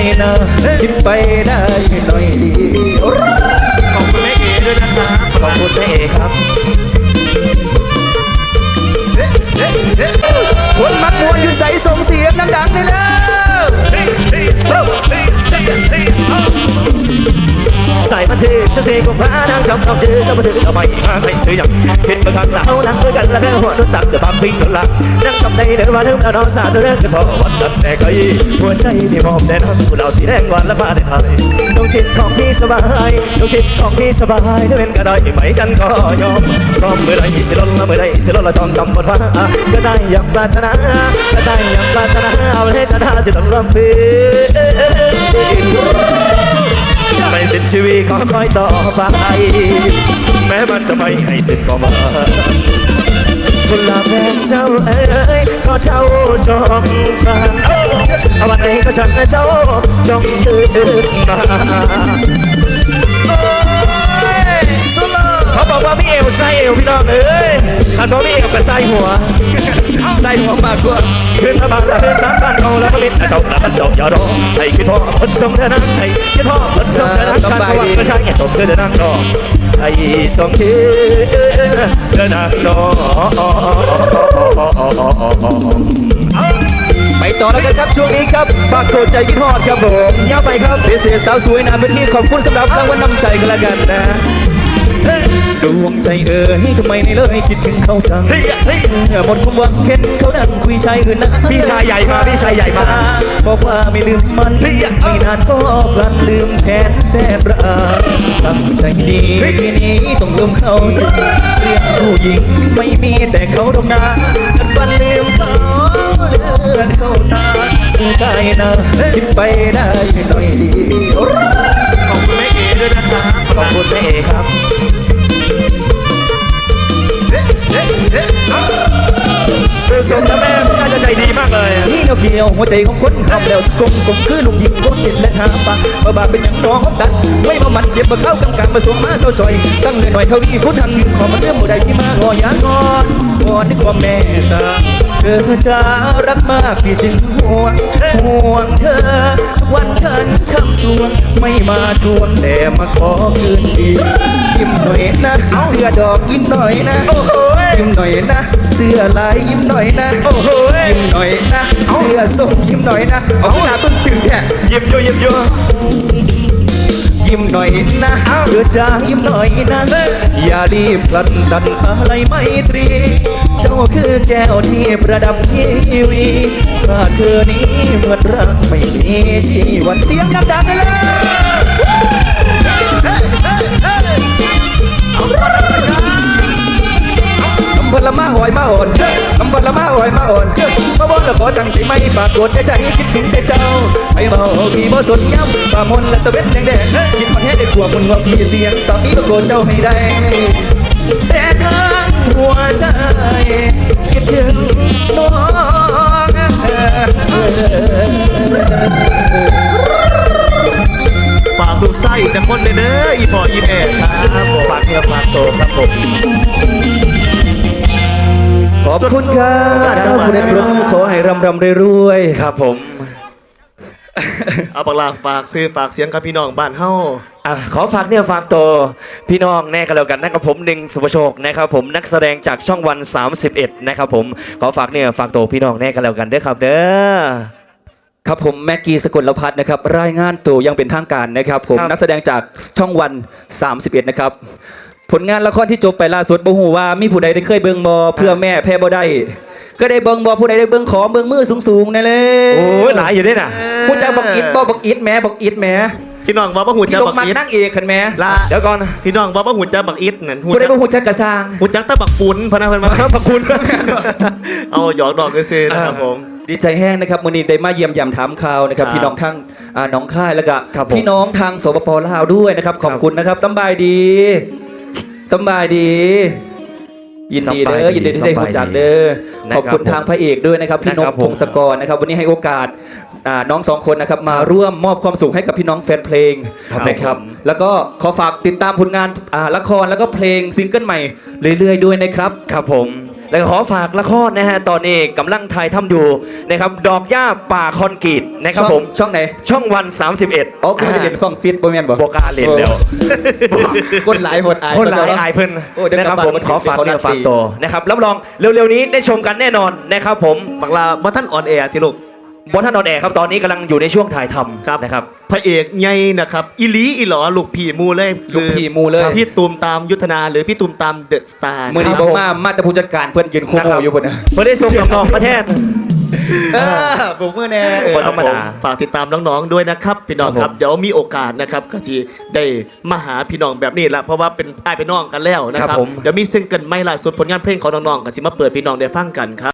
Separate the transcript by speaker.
Speaker 1: นะคิดไปได้หน่อยดี
Speaker 2: ขอบคุณแม่เอ๋ด้วยนะครับ
Speaker 1: ขอบคุณแม่เอครับคนมักมวนอยู่ใส่ส่งเสียงดังๆได้แล้ว
Speaker 2: ใส่มาเทฉันเสกของพระนางจำต้องเจอสมาธิเอาไปมาให้ซื้ออย่างเห็นมาทางหลังเอาหลังด้วยกันแล้วแค่หัวนุ่นตักเดือบางปิ้งหลังนั่งจำในเดือว่าเธอเราน้องสาวเธอเรื่องกันพอวันนั้นแต่ก็ยี่หัวใจที่มอบแต่น้องเราสีแดงวันละมาได้ไทยต้องชิดของพี่สบายต้องชิดของพี่สบายถ้าเป็นก็ได้ไหมฉันก็ยอมซ้อมเมื่อไรสิลดละเมื่อไรสิลดละจอมจำบทว่าก็ได้อย่างปรารถนาก็ได้อย่างปรารถนาเอาให้ชนะสิลดละเพื่อไม่สิ้นชีวิตขอคอยต่อไปแม้มันจะไม่ให้สิ้นก็มากุหลาบแดงเจ้าเอ๋ยก็เจ้าจงฟังวันไหนก็ฉันเจ้าจงตื่นมาเขาบอกว่าพี่เอวใส่เอวพี่น้องเอ้ยท่านบอกพี่เอวก็ใส่หัวใส่หัวมากกว่าขึ้นมาบางละเป็นสามพันเอาแล้วก็เป็นเจ้าละมันจบยอดอให้คิดพ่อพันสมเธอนั่งให้คิดพ่อพันสมเธอนั่งการประวัติก็ใช่สมเธอนั่งรอให้สมเธอนั่งรอ
Speaker 1: ไปต่อแล้วกันครับช่วงนี้ครับปากโคใจกินฮอดครับผม
Speaker 2: ยาวไปครับ
Speaker 1: เสียสาวสวยนานเป็นที่ขอบคุณสำหรับรางวัลนำใจกันละกันนะดวงใจเอ๋ยทำไมไม่เลยคิดถึงเขาจังหมดความหวังเห็นเขาดังคุยชายอื่นนะ
Speaker 2: พี่ชายใหญ่มาพี่ชายใหญ่มา
Speaker 1: บอกว่าไม่ลืมมันไม่นานก็พลันลืมแทนแสบระตั้งใจดีทีนี้ต้องลืมเขาจึงเรียกผู้หญิงไม่มีแต่เขาดมนาฟันลืมเขาเลือนเข้าตาใจนะคิดไปได้หน่อยดี
Speaker 2: ขอบคุณแม่เอ๋ด้วยนะครับ
Speaker 1: ขอบคุณแม่เอครับ
Speaker 2: คือสมกับแม่น่าจะใจดีมากเลย
Speaker 1: นี่เราเกี่ยวหัวใจของคนทำแล้วสกมคือลูกหญิงคนเห็นและหาปะบาเป็นอย่างน้องตันไม่มามันเย็บมาเข้ากำกลางมาสวมมาเศร้าจอยตั้งเงินหน่อยเขาวีพุทธังยืนขอมาเรื่องผู้ใดที่มาหอยางอนวอนด้วยความเมตตาเธอจะรักมากพี่จึงห่วงเธอวันฉันช้ำสวงไม่มาทวงแต่มาขอคืนดียิ้มหน่อยนะเสื้อดอกยิ้มหน่อยนะยิ้มหน่อยนะเสื้อลายยิ้มหน่อยนะยิ้มหน่อยนะเสื้อส้มยิ้มหน่อยนะเอาหน้าต้นตึงแค่
Speaker 2: ยิ้มอยู่
Speaker 1: ยิ้มหน่อยนะเธอจะยิ้มหน่อยนะอย่ารีบพลันดันอะไรไม่ตรีเจ้าคือแก้วที่ประดับชีวิตถ้าเธอนี้เหมือนรักไม่มีชีวันเสียงดังๆเลยพลมาหอยมาอ่อนคำพลมาหอยมาอ่อนเชื่อมาบอกแล้วขอตั้งใจไม่ปรากฏแต่ใจคิดถึงแต่เจ้าไม่เมาพี่บ่สนย้ำป่ามนและตะเวนแดงคิดมันแค่ได้กลัวมันว่าพี่เสียงตอนนี้ก็โกรธเจ้าให้ได้แต่ทั้งหัวใจคิดถึงน้อง
Speaker 2: ฝากลูกไส้จากคนเด้ออีพ่ออีแม่ครับฝากเนื้อฝากตัวครับผม
Speaker 1: ขอบคุณครับเจ้าผู้ได้ปรบมือขอให้รำรวย
Speaker 2: ครับผมเอาปากลาฝากซื้อฝากเสียงกับพี่น้องบ้านเฮาขอฝากเนี่ยฝากตัวพี่น้องแน่กันแล้วกันนะครับผมหนึ่งสุภโชคนะครับผมนักแสดงจากช่องวัน31นะครับผมขอฝากเนี่ยฝากตัวพี่น้องแน่กันแล้วกันเด้อครับเด้อ
Speaker 1: ครับผมแม็กกี้สกลพัฒน์นะครับรายงานตัวยังเป็นทางการนะครับผมนักแสดงจากช่องวัน31นะครับผลงานละครที่จบไปล่าสุดบ่ฮู้ว่ามีผู้ใดได้เคยเบิ่งบ่เพื่อแม่แพ้บ่ได้ก็ได้เบิ่งบ่ผู้ใดได้เบิ่งขอเบิ่งมือสูงๆนั่นเลย
Speaker 2: โอ้หลายอยู่ด้วยน่ะ
Speaker 1: ผู้จักบักอิดบ่บักอิดแม่บักอิดแม่
Speaker 2: พี่น้องบ่ฮู้จักบักอิด
Speaker 1: นั่งเอกคันแม่
Speaker 2: เดี๋ยวก่อนพี่น้องบ่ฮู้จักบักอิดนั่น
Speaker 1: ผู้ใดบ่ฮู้จักกระซาง
Speaker 2: ฮู้จักแต่บักปุนพะนะเพิ่นมาบักปุนเอาหยอกดอกซื่อๆนะครับผม
Speaker 1: ดีใจแห้งนะครับมื้อนี้ได้มาเยี่ยมยามถามข่าวนะครับพี่น้องทั้งน้องค่ายแล้วก็พี่น้องทางสปป.ลาวด้วยนะครับขอบคุณนะครับสบายดียินดีเด้อยินดีที่ได้รู้จักเด้อขอบคุณทางพระเอกด้วยนะครับพี่นกพงศกรนะครับวันนี้ให้โอกาสน้องสองคนนะครับมาร่วมมอบความสุขให้กับพี่น้องแฟนเพลงนะครับแล้วก็ขอฝากติดตามผลงานละครแล้วก็เพลงซิงเกิลใหม่เรื่อยๆด้วยนะครับ
Speaker 2: ครับผมแล้วก็ขอฝากละครนะฮะตอนนี้กำลังถ่ายทำอยู่นะครับดอกหญ้าป่าคอนกรีตนะครับผม
Speaker 1: ช่องไหน
Speaker 2: ช่องวัน 31
Speaker 1: อ๋อคุณจะเล่นฟองฟิตบ่แม่นบ่
Speaker 2: บอกล้าเล่นแล้ว
Speaker 1: คนหลายหมดอาย
Speaker 2: คนหลายอายเพิ่น
Speaker 1: โอ้เดี๋ยว
Speaker 2: นะครับ
Speaker 1: กลับ
Speaker 2: ผ
Speaker 1: บ้าม น
Speaker 2: ขอฝาก
Speaker 1: เขานั
Speaker 2: เนื้
Speaker 1: ด
Speaker 2: อฝาก
Speaker 1: ตี
Speaker 2: ตัวนะครับรับรองเร็วๆนี้ได้ชมกันแน่นอนนะครับผม
Speaker 3: บักลาบ่ท่านออนแอร์ที่ลูก
Speaker 2: บอสท่านนอนแอร์ครับตอนนี้กำลังอยู่ในช่วงถ่ายท
Speaker 3: ครับ
Speaker 2: ำนะครับ
Speaker 3: พระเอกใหญ่นะครับอีหลีอีหลอลูกพี่มูเลย
Speaker 1: ลูกพี่มูเลย
Speaker 3: พี่ตูมตามยุทธนาหรือพี่ตูมตามเดอะสตาร์
Speaker 1: มือนี้
Speaker 2: ครับ
Speaker 1: บอกมาแต่ผู้จัดการเพื่อนยืนคู่
Speaker 2: นะ
Speaker 1: โม
Speaker 2: ครับ
Speaker 1: อยู่บนนะ
Speaker 2: เพื่อได้ส่งน้องๆประเทศ
Speaker 1: ผมมือแน่
Speaker 2: บ่ธรรมดา
Speaker 3: ฝากติดตามน้องๆด้วยนะครับพี่น้อง
Speaker 2: ค
Speaker 3: ค
Speaker 2: รั
Speaker 3: รั
Speaker 2: บบ ผม
Speaker 3: เดี๋ยวมีโอกาสนะครับก็สิได้มาหาพี่น้องแบบนี้ละเพราะว่าเป็นอ้ายเป็นน้องกันแล้วนะครับเดี๋ยวมีซิงเกิลใหม่ล่าสุดผลงานเพลงของน้องๆก็สิมาเปิดพี่น้องได้ฟังกันครับ